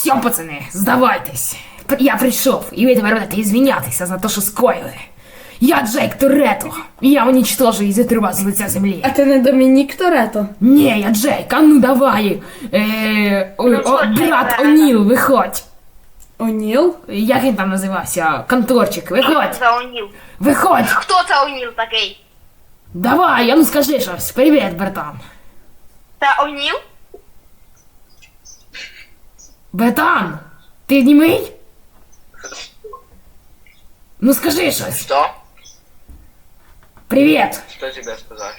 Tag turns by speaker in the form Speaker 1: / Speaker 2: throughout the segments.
Speaker 1: Все, пацани, здавайтесь. Я прийшов, і ви тепер будете ізвінятися за те, що скоїли. Я Джейк Торетто, і я уничтожу і зітру вас з лиця землі.
Speaker 2: А ти не Домінік Торетто?
Speaker 1: Ні, я Джейк, а ну давай. Брат О'Ніл, виходь.
Speaker 2: О'Ніл?
Speaker 1: Як він там називався? Конторчик, виходь.
Speaker 3: Це О'Ніл.
Speaker 1: Виходь.
Speaker 3: Хто це О'Ніл такий?
Speaker 1: Давай, а ну скажи щось. Привіт, братан.
Speaker 3: Це О'Ніл?
Speaker 1: Братан, ти німий? Ну скажи щось.
Speaker 4: Что?
Speaker 1: Привіт.
Speaker 4: Что тебе сказать?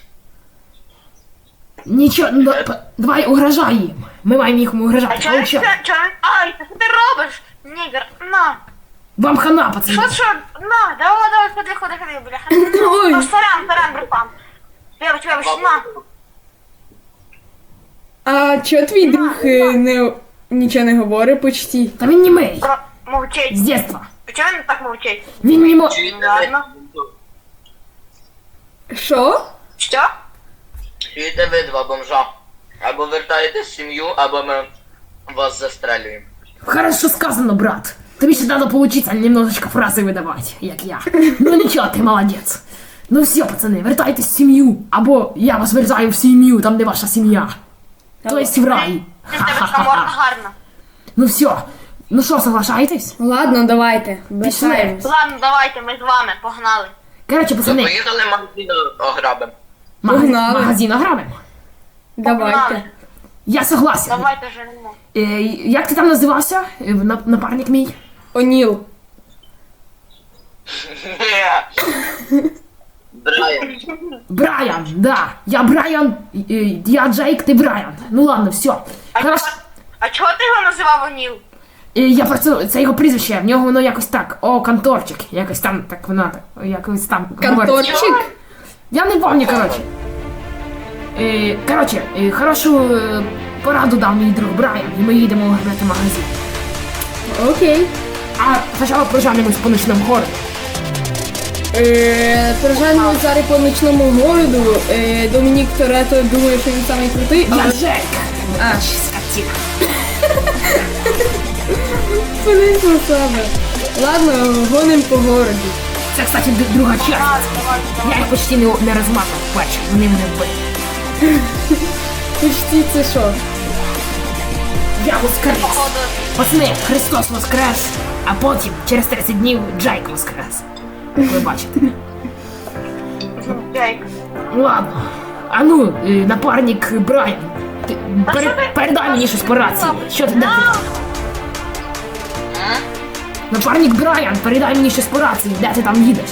Speaker 1: Нічого, ну, давай угрожай їм. Ми маємо їх
Speaker 3: А
Speaker 1: угрожати.
Speaker 3: чого
Speaker 1: Получай.
Speaker 3: Ай, що ти робиш? Нігер, на.
Speaker 1: Вам хана, пацани.
Speaker 3: Що? На, давай, ходи, бляха.
Speaker 2: Ой.
Speaker 3: Ну, сорян, братан. Вибач, на.
Speaker 2: А чого твій друг нічого не говорить почти?
Speaker 1: Та він німий.
Speaker 3: Мовчить.
Speaker 1: З дєтства.
Speaker 3: Чого він так мовчить?
Speaker 1: Він не
Speaker 3: Ладно.
Speaker 2: Що?
Speaker 3: Що?
Speaker 4: Чуєте ви два бомжа? Або вертаєтесь в сім'ю, або ми вас застрелюємо.
Speaker 1: Хорошо сказано, брат. Тобі ще треба поучиться немножечко фрази видавати, як я. Ну нічого, ти молодець. Ну все, пацани, вертайтесь в сім'ю. Або я вас вертаю в сім'ю, там де ваша сім'я. То есть в рай.
Speaker 3: Ти з тебе така морда гарна.
Speaker 1: Ну все. Ну що, соглашаєтесь?
Speaker 2: Ладно, давайте.
Speaker 1: Пішли.
Speaker 2: Бесаємось.
Speaker 3: Ладно, давайте, ми з вами, погнали.
Speaker 1: Короче,
Speaker 4: Ну,
Speaker 1: пацани,
Speaker 4: поїхали магазин ограбимо.
Speaker 2: Погнали.
Speaker 1: магазин ограбимо.
Speaker 2: Давайте.
Speaker 3: Погнали.
Speaker 1: Я согласен.
Speaker 3: Давайте женемо.
Speaker 1: Як ти там називався? Напарник мій?
Speaker 2: О'Ніл.
Speaker 4: Брайан.
Speaker 1: Брайан, да. Я Брайан, я Джейк, ти Брайан. Ну ладно, все. Хорошо.
Speaker 3: А чого ти його називав О'Ніл?
Speaker 1: Я просто, це його прізвище, в нього воно якось так. О, конторчик. Якось там, так воно, так, якось там. говориться.
Speaker 2: Конторчик?
Speaker 1: Я не помню, короче. Короче, хорошу пораду дав мій друг Брайан, і ми їдемо грати магазин.
Speaker 2: Окей.
Speaker 1: А спочатку прожанемось по ночному городу.
Speaker 2: Прожаємо зараз по ночному городу. Домінік Торетто думає, що він самий крутий,
Speaker 1: Я
Speaker 2: але...
Speaker 1: Джейк.
Speaker 2: А.
Speaker 1: Скотина.
Speaker 2: Блин, саме. Ладно, гоним по городу.
Speaker 1: Це, кстати, друга частина. Я їх почти не розмазав, бачу, вони мене вбили.
Speaker 2: Почти це що?
Speaker 1: Я воскрес.
Speaker 3: Походу,
Speaker 1: Пацани, Христос воскрес, а потім, через 30 днів, Джейк воскрес. Як ви бачите.
Speaker 3: Джейк.
Speaker 1: Ладно. А ну, напарник Брайан, ти передай мені щось по рації. Що ти, де ти? Напарник Брайан, передай мені щось по рації, де ти там їдеш?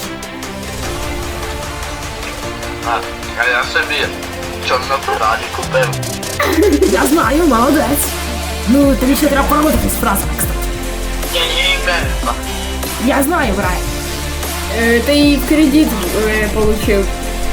Speaker 4: А я собі чорну Феррарі купив.
Speaker 1: Я знаю, молодець. Ну, тобі ще треба поработати з фразами, кстати.
Speaker 4: Ні, Америка.
Speaker 1: Я знаю, Брайан.
Speaker 2: Ти її в кредит получив.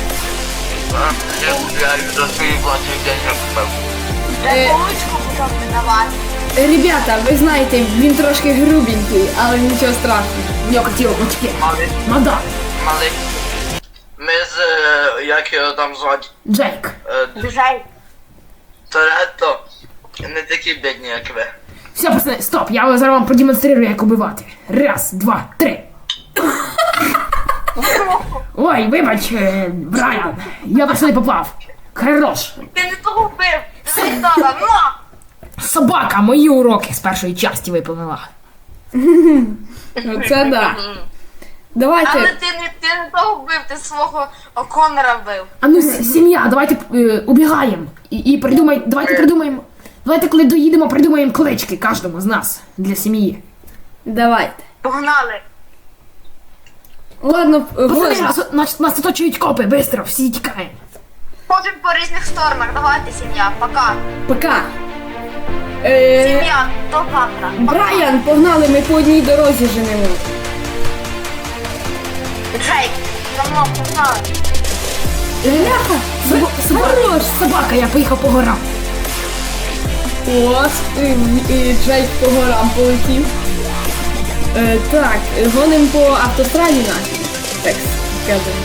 Speaker 4: Я за свої власні деньги купив.
Speaker 3: Я получку почав видавати.
Speaker 2: Ребята, ви знаєте, він трошки грубенький, але нічого страшного.
Speaker 1: У нього хотіло очки.
Speaker 4: Малий.
Speaker 1: Мадам.
Speaker 4: Малий. Ми з, як його там звати,
Speaker 1: Джейк.
Speaker 3: Джейк.
Speaker 4: Торетто, не такі бідні, як ви.
Speaker 1: Все, пацани, стоп, я зараз вам продемонструю, як убивати. Раз, два, три. Ой, вибач, Брайан, я просто не попав. Хорош.
Speaker 3: Ти не того вбив. Ти дала, на!
Speaker 1: Собака мої уроки з першої часті виповнила.
Speaker 2: Оце да.
Speaker 3: Але
Speaker 2: Давайте.
Speaker 3: ти не того вбив, ти свого Конора вбив.
Speaker 1: А ну, сім'я, давайте убігаємо. І давайте придумаємо. Давайте, коли доїдемо, придумаємо клички кожному з нас для сім'ї.
Speaker 2: Давайте.
Speaker 3: Погнали.
Speaker 2: Ладно,
Speaker 1: Пацани,
Speaker 2: гоним.
Speaker 1: нас оточують копи, бистро, всі тікаємо.
Speaker 3: Ходимо по різних сторонах. Давайте, сім'я. Пока.
Speaker 2: Пока.
Speaker 3: Сім'я, до завтра.
Speaker 2: Брайан, погнали, ми по одній дорозі женемо.
Speaker 3: Джейк, за мною погнали.
Speaker 2: Ляха, хорош.
Speaker 1: Собака, я поїхав по горам.
Speaker 2: От, і Джейк по горам полетів. Так, гоним по автостраді нашій. Так, скажемо.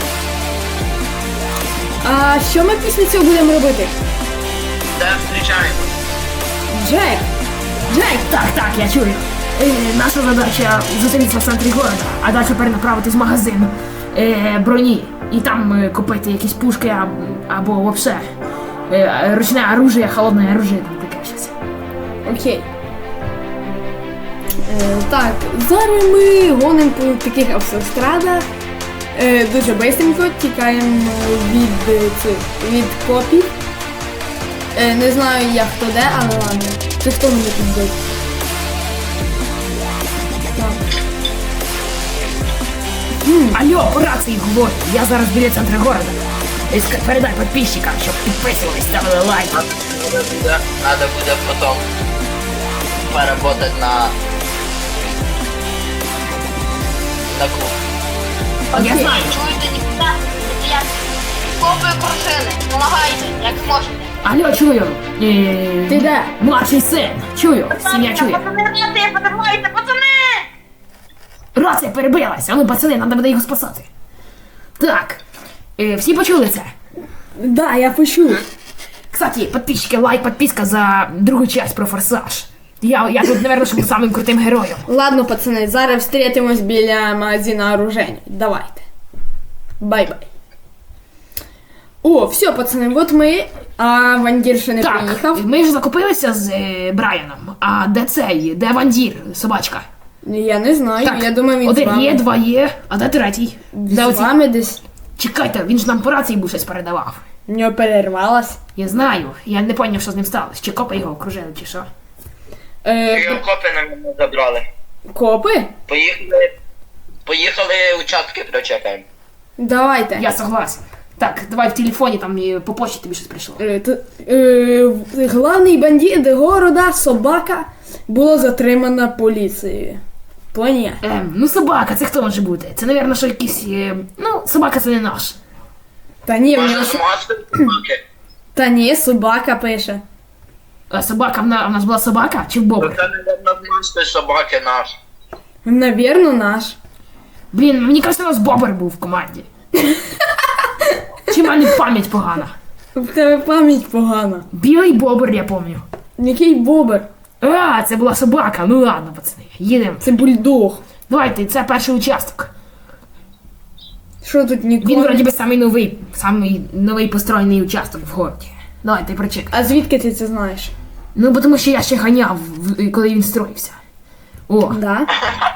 Speaker 2: А що ми після цього будемо робити?
Speaker 4: Де зустрічаємось?
Speaker 2: Джек! Джек!
Speaker 1: Так, Так, я чую. Наша задача зустрітися в центрі города, а далі перенаправитись в магазин броні. І там купити якісь пушки або взагалі ручне оружие, холодне оружие, там таке щось.
Speaker 2: Окей. Так, зараз ми гонимо по таких автострадах. Дуже швидко тікаємо від копів. Не знаю я хто де, але ладно. Це хто мене тут бив?
Speaker 1: Алло, по рації говорю, я зараз біля центру города. Передай підписчикам, щоб підписувались, ставили лайк.
Speaker 4: Надо буде потом поработать на клуб.
Speaker 1: Я знаю.
Speaker 3: Чуєте, ніхто? Я копую крушини. Помагайте, як зможете.
Speaker 1: Алло, чую.
Speaker 2: Ти де?
Speaker 1: Младший син. Чую, сім'я чує.
Speaker 3: Пацани, подавайте, пацани!
Speaker 1: Рація перебилась, а ну пацани, нам буде його спасати. Так, всі почули це?
Speaker 2: Да, я почув.
Speaker 1: Кстати, подписчики, лайк, подписка за другу часть про форсаж. Я тут, наверное, був самим крутим героєм.
Speaker 2: Ладно, пацани, зараз встретимось біля магазина оружейник. Давайте. Бай-бай. О, все, пацани, от ми, а Вандір ще не
Speaker 1: Так,
Speaker 2: приїхав.
Speaker 1: ми ж закупилися з Брайаном. А де цей? Де Вандір, собачка?
Speaker 2: Я не знаю,
Speaker 1: Так,
Speaker 2: я думаю, він з
Speaker 1: один
Speaker 2: вами.
Speaker 1: є, два є, а де третій? Де
Speaker 2: З
Speaker 1: оці?
Speaker 2: вами десь.
Speaker 1: Чекайте, він ж нам по рації був щось передавав.
Speaker 2: У нього перервалась.
Speaker 1: Я знаю, я не поняв, що з ним сталося. Чи копи його окружили, чи що?
Speaker 4: Його копи на мене забрали.
Speaker 2: Копи?
Speaker 4: Поїхали участки прочекаємо.
Speaker 2: Давайте.
Speaker 1: Я согласен. Так, давай в телефоні, там по почті тобі щось прийшло.
Speaker 2: Главний бандит города, собака, було затримана поліцією. Понятно.
Speaker 1: Ну собака, це хто може бути? Це, напевно, що якийсь... Ну, собака це не наш.
Speaker 2: Та ні, в
Speaker 4: Може
Speaker 2: нього...
Speaker 4: з маски собаки?
Speaker 2: Та ні, собака пише.
Speaker 1: А собака, в нас була собака чи в бобр?
Speaker 4: Це, мабуть, з маски собаки наш.
Speaker 2: Навірно, наш.
Speaker 1: Блін, мені кажется, у нас бобр був в команді. Чи в мене пам'ять погана?
Speaker 2: В тебе пам'ять погана.
Speaker 1: Білий бобр, я пам'ятаю.
Speaker 2: Який бобер?
Speaker 1: А, це була собака. Ну ладно, пацани, їдемо.
Speaker 2: Це бульдог.
Speaker 1: Давайте, це перший участок.
Speaker 2: Що тут ніколи?
Speaker 1: Він вроді би самий новий построєний участок в городі. Давайте прочекай.
Speaker 2: А звідки ти це знаєш?
Speaker 1: Ну, бо тому що я ще ганяв, коли він строївся. О,
Speaker 2: Да?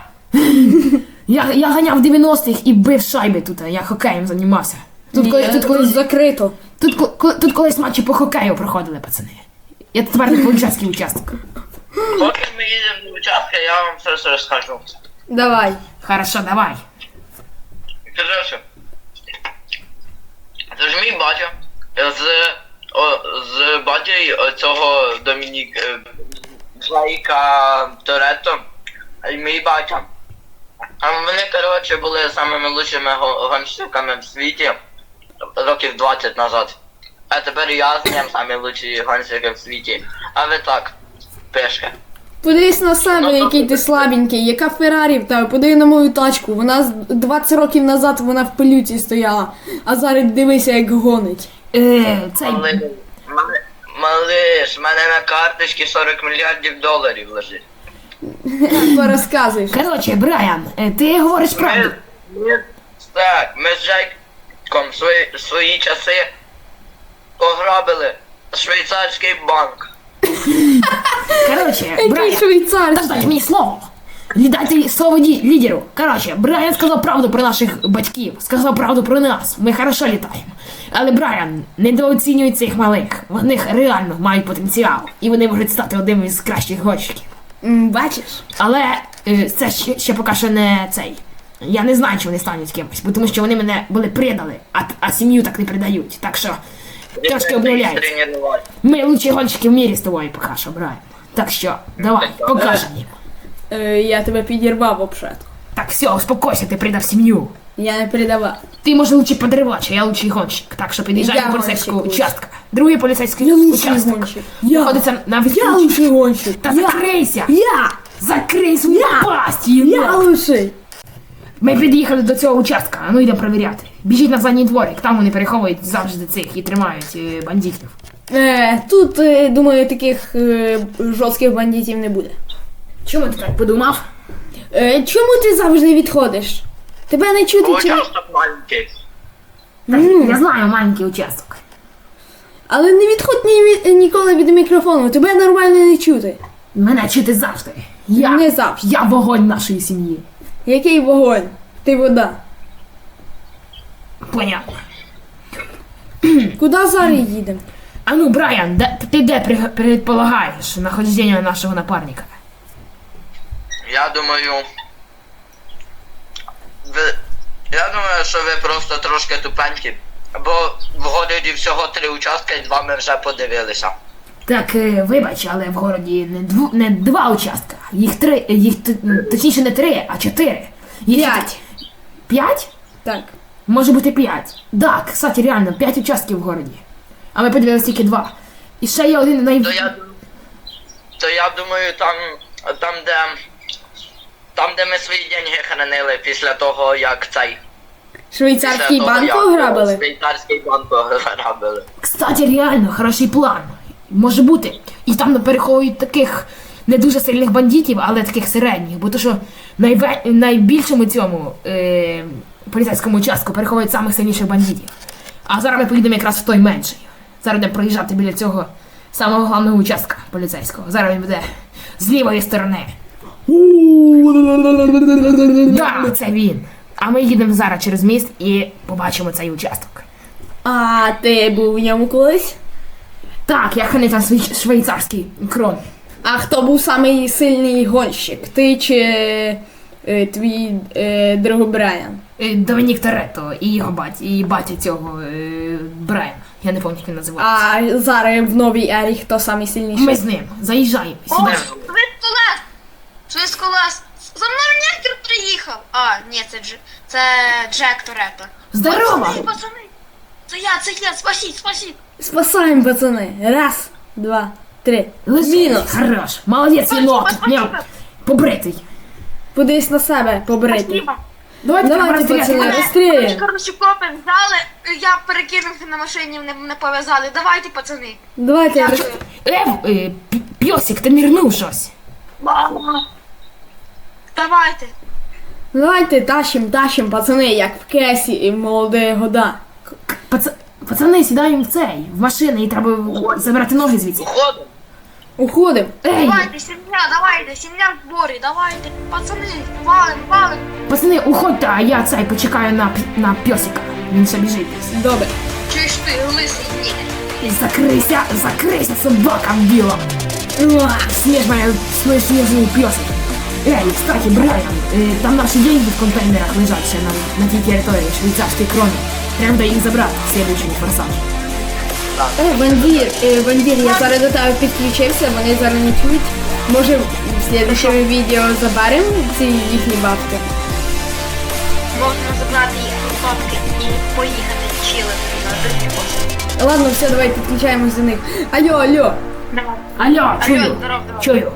Speaker 1: я ганяв в 90-х і бив шайби тут, я хокеєм займався.
Speaker 2: Тут закрито.
Speaker 1: Тут колись матчі по хокею проходили, пацани. Я тепер не поліцейський участок.
Speaker 4: Поки ми їдемо до участка, я вам все розкажу.
Speaker 2: Давай.
Speaker 1: Хорошо, давай.
Speaker 4: Короче, це ж мій батя з батькою цього Джейка Торетто, мій батя. А вони, коротше, були самими лучшими гонщиками в світі років 20 назад. А тепер я з ним самі лучші гонщики в світі. А ви так, пешки.
Speaker 2: Подивись на себе, який ти слабенький, яка Феррарі в тебе, подиви на мою тачку. Вона 20 років назад вона в пилюці стояла, а зараз дивися, як гонить.
Speaker 1: Цей...
Speaker 4: Малиш, в мене на карточці 40 мільярдів доларів лежить.
Speaker 2: Порозказуєш.
Speaker 1: Короче, Брайан, ти говориш правду.
Speaker 4: Ми з Джейком свої часи ограбили швейцарський банк.
Speaker 1: Короче,
Speaker 2: Який
Speaker 1: Брайан,
Speaker 2: швейцарський.
Speaker 1: дайте мені слово. Дайте слово лідеру. Короче, Брайан сказав правду про наших батьків, сказав правду про нас. Ми хорошо літаємо. Але Брайан, недооцінюй цих малих. Вони реально мають потенціал. І вони можуть стати одним із кращих гонщиків.
Speaker 2: Бачиш?
Speaker 1: Але це ще поки що не цей. Я не знаю, чи вони стануть кимось, бо тому що вони мене були предали, а сім'ю так не предають. Так що трошки обновляється. Ми лучші гонщики в мірі з тобою поки що, Брайан. Так що, давай, покажемо їм.
Speaker 2: Я тебе підірвав обшатку.
Speaker 1: Так, все, успокойся, ти предав сім'ю.
Speaker 2: Я не передавав.
Speaker 1: Ти, може, лучший подривач, а я лучший гонщик. Так що під'їжджай
Speaker 2: Я
Speaker 1: до поліцейського
Speaker 2: гонщик
Speaker 1: участка. Другий поліцейський
Speaker 2: Я лучший
Speaker 1: участок.
Speaker 2: гонщик. Я.
Speaker 1: Знаходиться на
Speaker 2: Я
Speaker 1: відключці.
Speaker 2: лучший гонщик.
Speaker 1: Та закрийся!
Speaker 2: Я.
Speaker 1: Закрий свою пасть,
Speaker 2: Я
Speaker 1: єнот!
Speaker 2: лучший.
Speaker 1: Ми під'їхали до цього участка, а ну йдемо перевіряти. Біжіть на задній дворик, там вони переховують завжди цих і тримають бандитів.
Speaker 2: Тут, думаю, таких жорстких бандитів не буде.
Speaker 1: Чому ти так подумав?
Speaker 2: Чому ти завжди відходиш? Тебе не чути чи...
Speaker 4: Участок маленький.
Speaker 1: Я знаю маленький участок.
Speaker 2: Але не відходь ніколи від мікрофону, тебе нормально не чути.
Speaker 1: Мене чути завжди.
Speaker 2: Не завжди.
Speaker 1: Я вогонь нашої сім'ї.
Speaker 2: Який вогонь? Ти вода.
Speaker 1: Понятно.
Speaker 2: Куди зараз їдемо?
Speaker 1: А ну, Брайан, ти де предполагаєш нахождення нашого напарника?
Speaker 4: Я думаю, що ви просто трошки тупенькі. Бо в городі всього 3 участки, і 2 ми вже подивилися.
Speaker 1: Так, вибач, але в городі не 2 участка. Точніше не 3, а 4.
Speaker 2: 5.
Speaker 1: 5?
Speaker 2: Так.
Speaker 1: Може бути 5. Так, кстати, реально, 5 участків в городі. А ми подивилися тільки 2. І ще є один
Speaker 4: То я думаю, там, де ми свої деньги хранили після того, як
Speaker 2: Швейцарський банк ограбили?
Speaker 4: Швейцарський банк ограбили.
Speaker 1: Кстати, реально, хороший план. Може бути. І там переховують таких не дуже сильних бандитів, але таких середніх. Бо то, що найбільшому цьому поліцейському участку переховують самих сильніших бандитів. А зараз ми поїдемо якраз в той менший. Зараз будемо проїжджати біля цього самого головного участка поліцейського. Зараз він буде з лівої сторони. Так, це він. А ми їдемо зараз через міст і побачимо цей участок.
Speaker 2: А ти був в ньому колись?
Speaker 1: Так, я хранив там швейцарський крон.
Speaker 2: А хто був самий сильний гонщик? Ти чи твій друг Брайан?
Speaker 1: Домінік Торетто і його батя цього Брайана. Я не пам'ятаю, як він називається.
Speaker 2: А зараз в новій ері хто самий сильніший?
Speaker 1: Ми з ним заїжджаємо.
Speaker 3: О,
Speaker 1: Сідаємо.
Speaker 3: Швидколес! За мною нектор приїхав! А, ні, це Джек Торетто.
Speaker 1: Здорово!
Speaker 3: Пацани! Це я, спасіть!
Speaker 2: Спасаємо, пацани. 1, 2, 3. Мінус.
Speaker 1: Хорош. Молодець, єнот.
Speaker 3: Спасибо.
Speaker 1: Побритий.
Speaker 2: Подивись на себе, побрити.
Speaker 3: Спасибо.
Speaker 1: Давайте
Speaker 2: Давайте, пацани, розстріляємо.
Speaker 3: Коротше, копи взяли, я перекинувся на машині, не пов'язали. Давайте, пацани.
Speaker 2: Давайте.
Speaker 3: Дякую.
Speaker 1: Пьосик, ти нирнув щось.
Speaker 3: Давайте.
Speaker 2: Давайте тащим, пацани, як в Кесі і в молоді года.
Speaker 1: Пацани, сідаємо в в машини, і треба забирати ноги звідси.
Speaker 4: Уходимо.
Speaker 2: Уходимо.
Speaker 1: Ей,
Speaker 3: Давайте, сім'я в зборі, давайте. Пацани, валим.
Speaker 1: пацани, уходьте, а я почекаю на пьосика. Він ще біжить.
Speaker 2: Добре.
Speaker 3: Чуєш ти, лисий, ні.
Speaker 1: І закрийся, собака в білом. Смеш моя свой снежный пёсик. Эй, кстати, Брайан, там наши деньги в контейнерах лежат ще на тій території швейцарської крони. Треба буде їх забрати в следующий форсаж.
Speaker 2: Вандір, я зараз до тебе підключився, вони зараз не чують. Може в слідчому відео заберемо ці їхні бабки?
Speaker 3: Можна забрати їх бабки і поїхати чилити на другий пост.
Speaker 2: Ладно, все, давай підключаємось до них. Алло.
Speaker 1: Алло, чую,
Speaker 3: здоров.
Speaker 1: чую.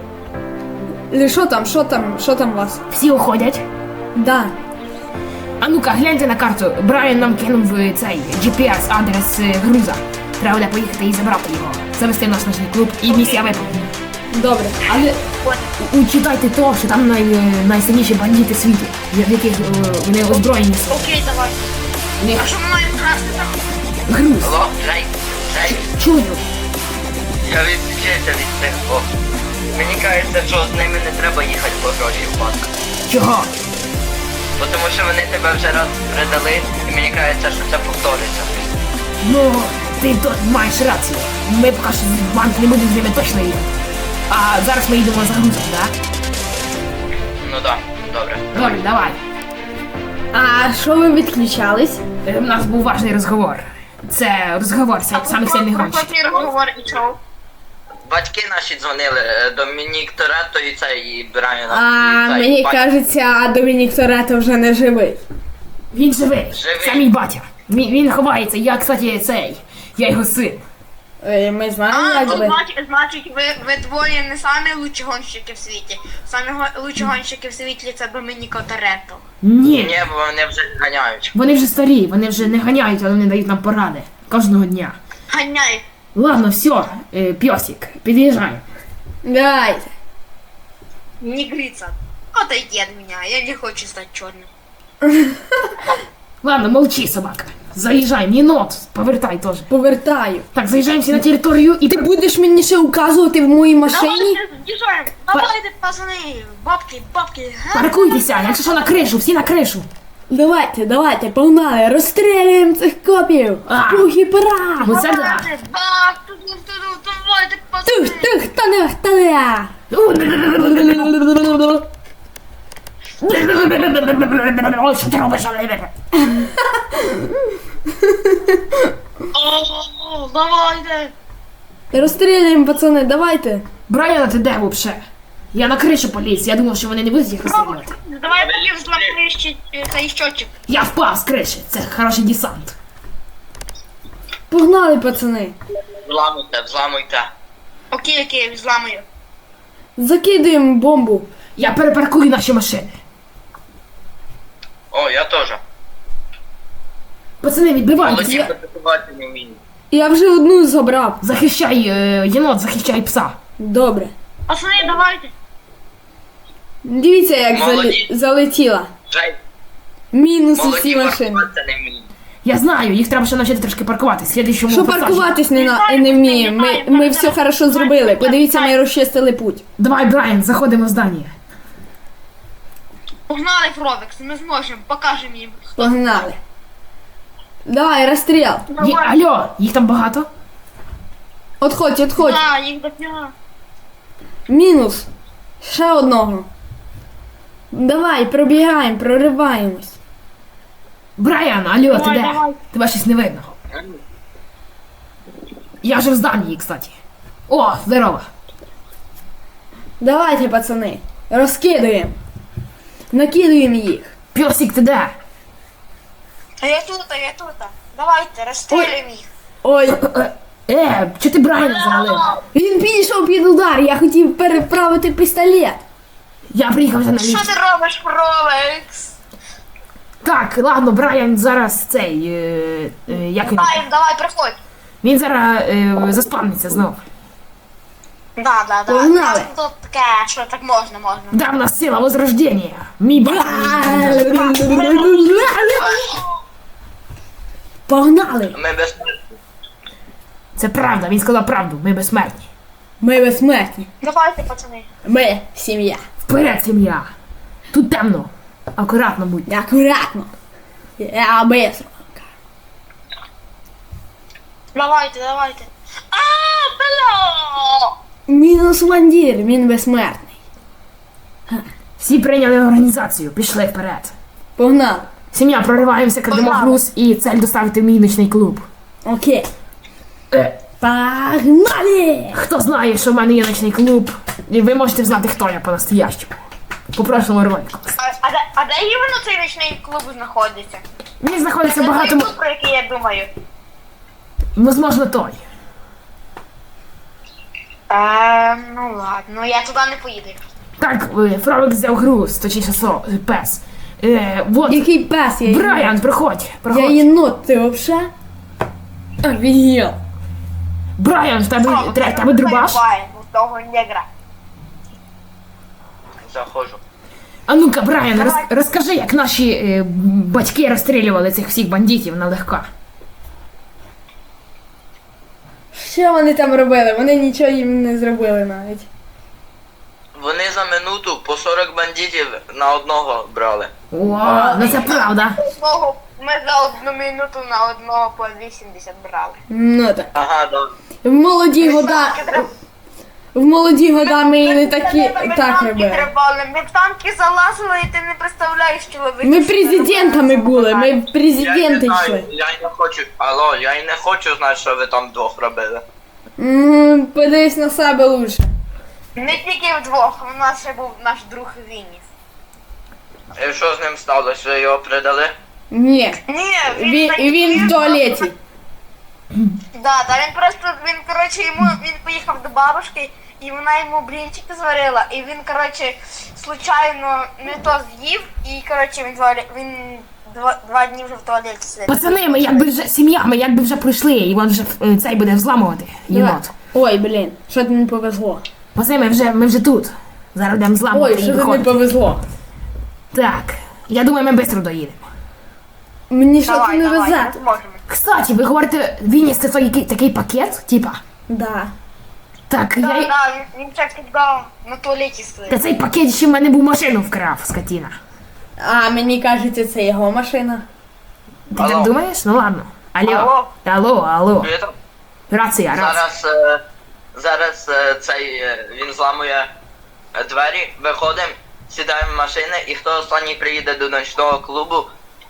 Speaker 2: Що там у вас?
Speaker 1: Всі уходять.
Speaker 2: Да.
Speaker 1: А ну-ка, гляньте на карту. Брайан нам кинув цей GPS-адрес груза. Треба буде поїхати і забрати його. Завести в наш ночний клуб і місія виповнена.
Speaker 2: Добре.
Speaker 1: Але учитайте то, що там найсильніші бандити світу, в яких вони озброєні.
Speaker 3: Окей, давай. А що ми маємо красти там?
Speaker 1: Груз.
Speaker 4: Алло, Джей.
Speaker 1: Чую.
Speaker 4: Я відключився від цих двох. Мені кажеться, що з ними не треба їхати по гроші в банк.
Speaker 1: Чого?
Speaker 4: Бо тому що вони тебе вже раз передали, і мені кажеться, що це повториться.
Speaker 1: Ну, ти тут маєш рацію. Ми поки що в банк не будемо з ними точно їхати. А зараз ми йдемо за грузом, так?
Speaker 4: Ну так, добре.
Speaker 1: Добре, давай.
Speaker 2: А що ви відключались?
Speaker 1: У нас був важний розговор. Це розговор самих сильних гонщиків.
Speaker 3: Який розговор і чого?
Speaker 4: Батьки наші дзвонили, Домінік Торетто і цей, і Брайан.
Speaker 2: А мені кажеться, Домінік Торетто вже не живий.
Speaker 1: Він живий.
Speaker 4: Живий.
Speaker 1: Це мій батя. Він ховається. Я, кстати, я його син.
Speaker 2: Ми знаємо,
Speaker 3: А,
Speaker 2: як
Speaker 3: ну
Speaker 2: би.
Speaker 3: значить ви двоє не самі лучші гонщики в світі. Самі лучші гонщики в світі це Домініко Торетто.
Speaker 1: Ні.
Speaker 4: Ні, бо вони вже ганяють.
Speaker 1: Вони вже старі, вони вже не ганяють, але вони дають нам поради. Кожного дня.
Speaker 3: Ганяй.
Speaker 1: Ладно, все, пьосик, під'їжджай.
Speaker 2: Давайте.
Speaker 3: негрица. Отойди от меня, я не хочу стать черным.
Speaker 1: Ладно, молчи, собака. Заїжджаємо, єнот, повертай теж.
Speaker 2: Повертаю.
Speaker 1: Так, заїжджаємо всі на територію і
Speaker 2: Ти будеш мені ще указувати в моїй машині?
Speaker 3: Давайте, держаем. Давайте, пацаны, бабки, бабки. га?
Speaker 1: паркуйтеся, якщо що на кришу, всі на кришу.
Speaker 2: Давайте, погнали, розстрілюємо цих копів.
Speaker 1: А.
Speaker 2: Пух і пера.
Speaker 1: Оце да.
Speaker 3: Давайте, баб, давайте, пацаны.
Speaker 2: Тух, та-да.
Speaker 1: Ой, що ти робиш?
Speaker 3: О, давайте.
Speaker 2: Розстрілюємо, пацани, давайте.
Speaker 1: Брайана, ти де вообще? Я на кришу поліз, я думав, що вони не будуть їх розстрілювати.
Speaker 3: Давай полез зломающий цей счетчик.
Speaker 1: Я впав з криші, це хороший десант.
Speaker 2: Погнали, пацани.
Speaker 4: Взламуйте.
Speaker 3: Окей, взламаю.
Speaker 2: Закидуємо бомбу.
Speaker 1: Я перепаркую наші машини.
Speaker 4: О, я теж.
Speaker 1: Пацани, відбивайтеся.
Speaker 4: Молодці, працювати не вмію.
Speaker 2: Я вже одну забрав.
Speaker 1: Захищай, єнот, захищай пса.
Speaker 2: Добре.
Speaker 3: Пацаны, давайте.
Speaker 2: Дивіться, як
Speaker 4: Молодці.
Speaker 2: залетіла.
Speaker 4: Жень,
Speaker 2: Мінус усі
Speaker 4: молоді
Speaker 2: машини.
Speaker 4: паркуватися не вмію.
Speaker 1: Я знаю, їх треба ще навчити трошки паркувати. Слідуючому
Speaker 2: Що
Speaker 1: пасажі.
Speaker 2: паркуватись не вміємо. Ми все хорошо зробили. Подивіться, ми розчистили путь.
Speaker 1: Давай, Брайан, заходимо в здання.
Speaker 3: Погнали, Фровекс, ми зможемо, покажемо їм.
Speaker 2: Погнали. Давай, розстріл.
Speaker 1: Алло, їх там багато?
Speaker 2: Отходь.
Speaker 3: Да, їх дофіга.
Speaker 2: Мінус. Ще одного. Давай, пробігаємо, прориваємось.
Speaker 1: Брайан, алло, ти
Speaker 3: Давай,
Speaker 1: де?
Speaker 3: давай.
Speaker 1: Тебе щось не видно. Я вже в зданні, кстати. О, здорово.
Speaker 2: Давайте, пацани. Розкидуємо. Накидуємо їх.
Speaker 1: Пьосик, ти де?
Speaker 3: А я тут. Давайте, розстрілюємо їх.
Speaker 2: Ой,
Speaker 1: Чи ти Брайана завалив?
Speaker 2: він підійшов під удар, я хотів переправити пістолет.
Speaker 1: Я приїхав вже на
Speaker 3: Що
Speaker 1: ліфт.
Speaker 3: ти робиш, Фровекс?
Speaker 1: Так, ладно, Брайан зараз цей. Як він?
Speaker 3: Давай, приходь.
Speaker 1: Він зараз заспавниться знов.
Speaker 3: Да.
Speaker 2: Погнали.
Speaker 3: Тут таке, що так можна.
Speaker 1: Да, в нас сила возрождения. Мій брат.
Speaker 2: Погнали.
Speaker 4: Ми безпечні.
Speaker 1: Це правда, він сказав правду, ми безсмертні.
Speaker 2: Ми безсмертні.
Speaker 3: Давайте, пацани.
Speaker 2: Ми сім'я.
Speaker 1: Вперед, сім'я. Тут темно. Акуратно будь.
Speaker 2: Акуратно. Я быстро.
Speaker 3: Давайте. Бля!
Speaker 2: Мінус вандір, він безсмертний.
Speaker 1: Всі прийняли організацію, пішли вперед.
Speaker 2: Погнали.
Speaker 1: Сім'я, прориваємося, крадемо
Speaker 3: Погнали.
Speaker 1: груз і цель доставити в мій ночний клуб.
Speaker 2: Окей.
Speaker 1: Е,
Speaker 2: Погнали!
Speaker 1: Хто знає, що в мене є ночний клуб, і ви можете знати, хто я по-настоящему. По прошлому ролику.
Speaker 3: А де іменно цей нічний клуб знаходиться?
Speaker 1: Він знаходиться
Speaker 3: Це той
Speaker 1: багато...
Speaker 3: клуб, про який я думаю.
Speaker 1: Возможно, той.
Speaker 3: Ну ладно, я туди не поїду.
Speaker 1: Так, Фровик взяв груз, точніше пес. Вот,
Speaker 2: Який пес я єнот?
Speaker 1: Брайан, проходь.
Speaker 2: Я єнот, ти вообще? Офігел.
Speaker 1: Брайан, в тебе дробаш?
Speaker 3: Того негра.
Speaker 4: Заходжу.
Speaker 1: А ну-ка, Брайан, розкажи, як наші батьки розстрілювали цих всіх бандитів налегка.
Speaker 2: Що вони там робили? Вони нічого їм не зробили навіть.
Speaker 4: Вони за минуту по 40 бандитів на одного брали.
Speaker 1: О, ну це правда.
Speaker 3: Ми за 1 минуту на одного по 80 брали.
Speaker 2: Ну так.
Speaker 4: Ага, да.
Speaker 2: В молоді года ми і не такі так робили.
Speaker 3: Ми в танки залазили, і ти не представляєш, чоловік.
Speaker 2: Ми президентами були, ми
Speaker 4: Я й не
Speaker 2: президенти
Speaker 4: знаю,
Speaker 2: йшли.
Speaker 4: я й не хочу. Алло, я й не хочу знати, що ви там вдвох робили.
Speaker 2: Подивись на себе лучше.
Speaker 3: Не тільки вдвох, у нас ще був наш друг Вініс.
Speaker 4: І що з ним сталося? Ви його придали?
Speaker 2: Ні.
Speaker 3: Ні,
Speaker 2: Він в туалеті.
Speaker 3: Да, він поїхав до бабушки, і вона йому блінчики зварила, і він, коротше, случайно не то з'їв, і, коротше, він 2 дні вже в туалеті сидить.
Speaker 1: Пацани, ми якби вже сім'я, ми якби вже пройшли, і він вже цей буде взламувати, єнот.
Speaker 2: Ой, блін, що тобі не повезло.
Speaker 1: Пацани, ми вже тут. Зараз будемо зламувати
Speaker 2: Ой,
Speaker 1: і
Speaker 2: що тобі не
Speaker 1: виходити.
Speaker 2: повезло.
Speaker 1: Так, я думаю, ми швидко доїдемо.
Speaker 2: Мені що
Speaker 3: Давай,
Speaker 2: не
Speaker 3: давай,
Speaker 2: везе.
Speaker 3: ми зможемо.
Speaker 1: Кстати, ви говорите, Вініс це такий пакет, типа?
Speaker 2: Да.
Speaker 1: Так,
Speaker 3: Да,
Speaker 1: я...
Speaker 3: да, він ще кидав на туалеті
Speaker 1: Та
Speaker 3: стоїть.
Speaker 1: цей пакет ще в мене був машину вкрав, скотіна.
Speaker 2: А мені кажеться, це його машина.
Speaker 1: Ти так
Speaker 4: Алло.
Speaker 1: думаєш? Ну ладно.
Speaker 3: Алло.
Speaker 1: Алло.
Speaker 4: Привіт.
Speaker 1: Рація.
Speaker 4: Зараз він зламує двері, виходимо, сідаємо в машини, і хто останній приїде до ночного клубу,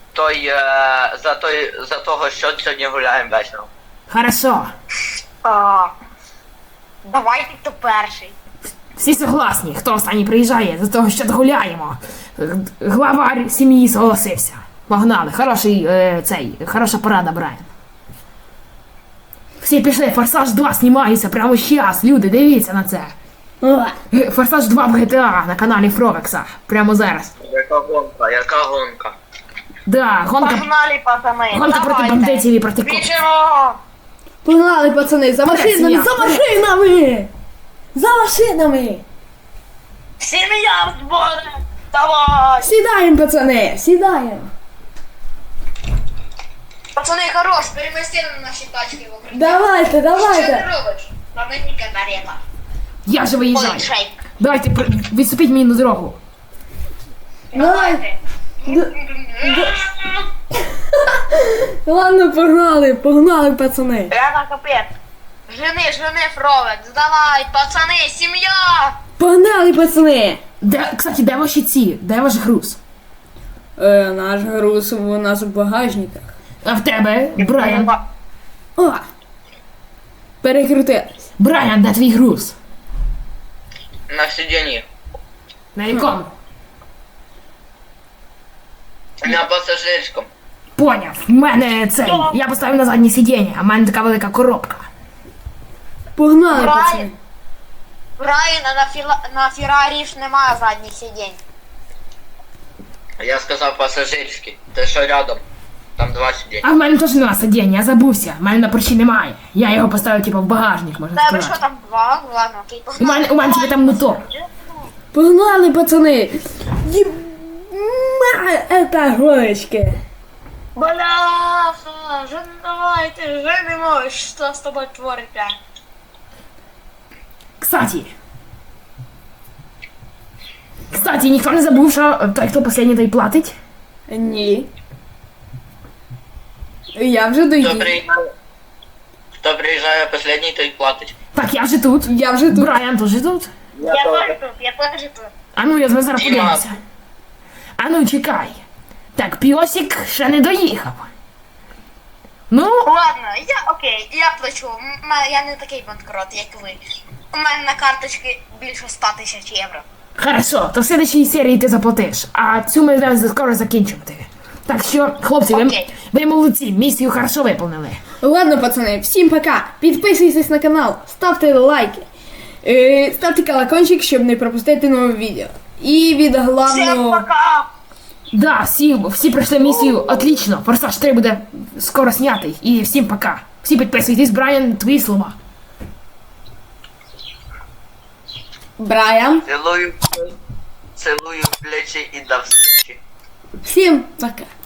Speaker 4: за того, що сьогодні гуляємо вечором.
Speaker 1: Хорошо.
Speaker 3: Давайте хто перший.
Speaker 1: Всі согласні, хто останній приїжджає, за того, що гуляємо. Главар сім'ї согласився. Погнали. Хороша порада, Брайан. Всі пішли, Форсаж 2 знімається прямо зараз. Люди, дивіться на це.
Speaker 2: О,
Speaker 1: Форсаж 2 в GTA на каналі Фровекса. Прямо зараз.
Speaker 4: Яка гонка?
Speaker 1: Да, гонка
Speaker 3: Погнали, пацани.
Speaker 1: проти
Speaker 3: давайте.
Speaker 1: бандитів і проти копів.
Speaker 3: Біжимо.
Speaker 2: погнали, пацани, за машинами,
Speaker 1: Рація.
Speaker 2: за машинами! За машинами!
Speaker 3: Сім'я в зборі. Давай.
Speaker 2: Сідаємо, пацани, сідаємо.
Speaker 3: Пацани, хорош, перемести на наші тачки в укриття.
Speaker 2: Давайте,
Speaker 3: Що ти
Speaker 2: давайте.
Speaker 3: робиш? На мені катарета.
Speaker 1: Я же виїжджаю.
Speaker 3: Поличай.
Speaker 1: Давайте, відступіть мені на дорогу.
Speaker 2: Давай. Ладно, погнали, пацани.
Speaker 3: Рядом капець. Жени, Фровекс, давай, пацани, сім'я!
Speaker 2: Погнали, пацани.
Speaker 1: Кстати, де ваші ці? Де ваш груз?
Speaker 2: Наш груз у нас в багажниках.
Speaker 1: А в тебе, Брайан?
Speaker 2: О! Перекрутились.
Speaker 1: Брайан, де твій груз?
Speaker 4: На сидінні.
Speaker 1: На якому?
Speaker 4: На пасажирському.
Speaker 1: Поняв, в мене цей. Я поставив на заднє сидіння, а в мене така велика коробка.
Speaker 2: Погнали,
Speaker 3: Брайан.
Speaker 2: пацани.
Speaker 3: Брайана на Феррарі ж немає задніх сидінь.
Speaker 4: Я сказав пасажирський. Те, що рядом. Там 2 сидіння.
Speaker 1: А в мене теж нема сидіння, я забувся. В мене на порчі немає. Я його поставив типу в багажник, можна
Speaker 3: Тебе що
Speaker 1: сказати.
Speaker 3: там два? Ладно, окей,
Speaker 1: У мене тебе там мотор.
Speaker 2: Погнали, пацани. Это горочки.
Speaker 3: Бляха, давайте, женимо, що з тобою твориться?
Speaker 1: Кстати, ніхто не забув, що той, хто останній, той платить.
Speaker 2: Ні. Я вже доїду.
Speaker 4: Хто приїжджає останній, той платить.
Speaker 1: Так, я вже тут.
Speaker 2: Я вже тут.
Speaker 1: Брайан теж тут.
Speaker 3: Я теж тут.
Speaker 1: А ну, я зараз
Speaker 4: Діма.
Speaker 1: подивимося. А ну, чекай. Так, піосик ще не доїхав. Ну,
Speaker 3: Ладно, я плачу. Я не такий банкрот, як ви. У мене на карточці більше 100 тисяч євро.
Speaker 1: хорошо, то в следующій серії ти заплатиш, а цю ми зараз скоро закінчувати. Так що, хлопці,
Speaker 3: Окей.
Speaker 1: ви молодці, місію хорошо виповнили.
Speaker 2: Ладно, пацани, всім пока. Підписуйтесь на канал, ставте лайки. Ставте колокольчик, щоб не пропустити нове відео. І від
Speaker 3: Всім
Speaker 2: головного...
Speaker 3: пока!
Speaker 1: Да, всі пройшли місію отлично. Форсаж 3 буде скоро знятий. І всім пока. Всі підписуйтесь, Брайан, твої слова.
Speaker 2: Брайан.
Speaker 4: Цілую в плечі і до встречі.
Speaker 2: Всім пока.